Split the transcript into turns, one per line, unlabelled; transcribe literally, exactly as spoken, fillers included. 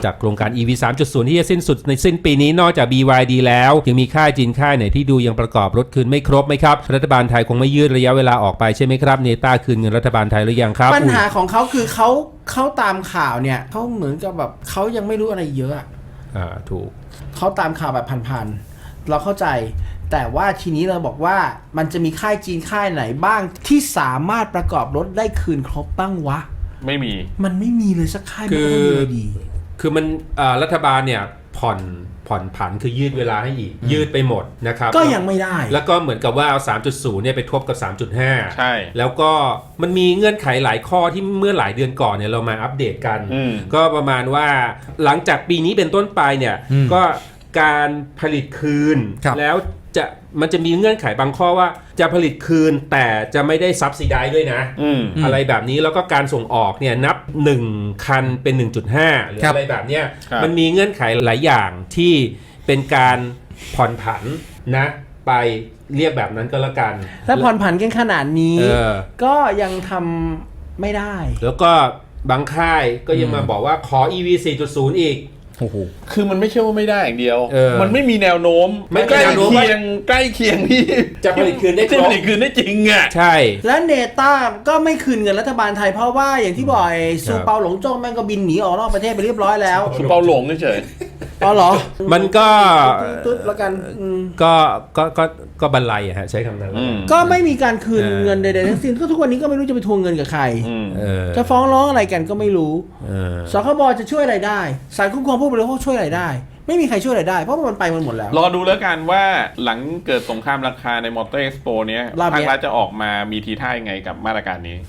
จากโครงการ อี วี สามจุดศูนย์ ที่จะสิ้นสุดในสิ้นปีนี้นอกจาก บี วาย ดี แล้วยังมีค่ายจีนค่ายไหนที่ดูยังประกอบรถคืนไม่ครบไหมครับรัฐบาลไทยคงไม่ยืดระยะเวลาออกไปใช่ไหมครับเนต้าคืนเงินรัฐบาลไทยหรือยังครับ
ปัญหาของเขาคือเขาเขาตามข่าวเนี่ยเขาเหมือนกับแบบเขายังไม่รู้อะไรเยอะ
อ่าถูก
เขาตามข่าวแบบพันๆเราเข้าใจแต่ว่าทีนี้เราบอกว่ามันจะมีค่ายจีนค่ายไหนบ้างที่สามารถประกอบรถได้คืนครบบ้างวะ
ไม่มี
มันไม่มีเลยสักค่าย
คือดีคือมันรัฐบาลเนี่ยผ่อนผ่อนผันคือยืดเวลาให้อีกยืดไปหมดนะครับ
ก็ยังไม่ได้
แล้วก็เหมือนกับว่าเอา สามจุดศูนย์ เนี่ยไปทบกับ สามจุดห้า
ใช่
แล้วก็มันมีเงื่อนไขหลายข้อที่เมื่อหลายเดือนก่อนเนี่ยเรามาอัปเดตกันก็ประมาณว่าหลังจากปีนี้เป็นต้นไปเนี่ยก็การผลิตคืนแล้วจะมันจะมีเงื่อนไขบางข้อว่าจะผลิตคืนแต่จะไม่ได้ซับซิไดด้วยนะ อ, อะไรแบบนี้แล้วก็การส่งออกเนี่ยนับหนึ่งคันเป็น หนึ่งจุดห้า หรืออะไรแบบเนี้ยมันมีเงื่อนไขหลายอย่างที่เป็นการผ่อนผันนะไปเรียกแบบนั้นก็แล้วกัน
ถ้าผ่อนผันกันขนาดนี้ก็ยังทำไม่ได้
แล้วก็บางค่ายก็ยังมาบอกว่าขอ อี วี สี่จุดศูนย์ อีก
คือมันไม่ใช่ว่าไม่ได้อย่างเดียวมันไม่มีแนวโน้ม
ไม่ใกล้เคีย
งใกล้เคียงที่
จะผลิตคืนได้
จะผลิตคืนได้จริงอ่ะ
ใช่
และเนต้าก็ไม่คืนเงินรัฐบาลไทยเพราะว่าอย่างที่บอกซูเปาหลงจ้งแม่งก็บินหนีออกนอกประเทศไปเรียบร้อยแล้ว
ซูเปาหลงเฉย
อ๋อเหรอ
มันก็
ตุ๊ดแล้วกัน
ก็ก็ก็ก็บรรลัยอะฮะใช้คำนั้น
ก็ไม่มีการคืนเงินใดๆทั้งสิ้นก็ทุกวันนี้ก็ไม่รู้จะไปทวงเงินกับใครจะฟ้องร้องอะไรกันก็ไม่รู้สคบจะช่วยอะไรได้ศาลคุ้มครองผู้บริโภคช่วยอะไรได้ไม่มีใครช่วยอะไรได้เพราะมันไปมันหมดแล้ว
รอดูแล้วกันว่าหลังเกิดสงครามราคาในมอเตอร์เอ็กซ์โปเนี้ยภาครัฐจะออกมามีทีท่ายังไงกับมาตรการนี้